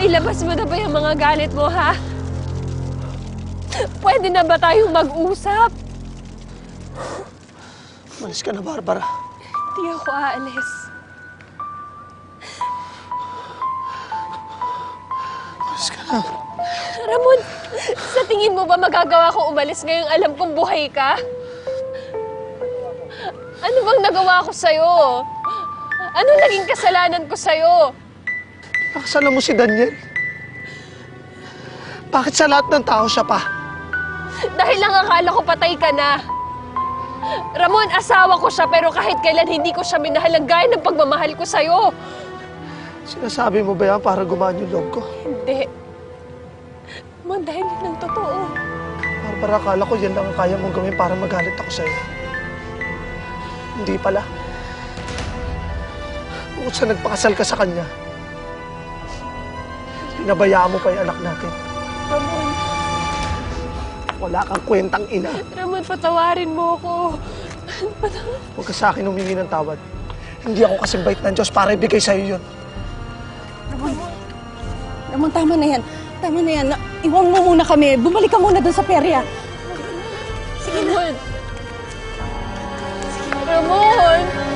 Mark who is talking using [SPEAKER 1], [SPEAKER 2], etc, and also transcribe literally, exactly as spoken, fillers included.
[SPEAKER 1] Nailabas mo na ba yung mga galit mo, ha? Pwede na ba tayong mag-usap?
[SPEAKER 2] Malis ka na, Barbara.
[SPEAKER 1] Hindi ako aalis.
[SPEAKER 2] Malis ka na.
[SPEAKER 1] Ramon, sa tingin mo ba magagawa ko umalis ngayong alam kong buhay ka? Ano bang nagawa ko sa'yo? Ano naging kasalanan ko sa'yo?
[SPEAKER 2] Nakasalan mo si Daniel. Bakit sa lahat ng tao siya pa?
[SPEAKER 1] Dahil lang akala ko patay ka na. Ramon, asawa ko siya pero kahit kailan hindi ko siya minahal ang gaya ng pagmamahal ko sa'yo.
[SPEAKER 2] Sinasabi mo ba yan para gumaan yung loob ko?
[SPEAKER 1] Hindi. Ramon, dahil yun ang totoo.
[SPEAKER 2] Barbara, akala ko yan lang ang kaya mong gawin para magalit ako sa'yo. Hindi pala. Bukod sa nagpakasal ka sa kanya, pinabayaan mo pa yung anak natin.
[SPEAKER 1] Ramon.
[SPEAKER 2] Wala kang kwentang ina.
[SPEAKER 1] Ramon, patawarin mo ako. Patawarin.
[SPEAKER 2] Huwag ka sa akin humingi ng tawad. Hindi ako kasing bait ng Diyos para ibigay sa'yo yun.
[SPEAKER 3] Ramon, Ramon, tama na yan. Tama na yan. Iwan mo muna kami. Bumalik ka muna dun sa perya.
[SPEAKER 1] Sige, Ramon. Ramon!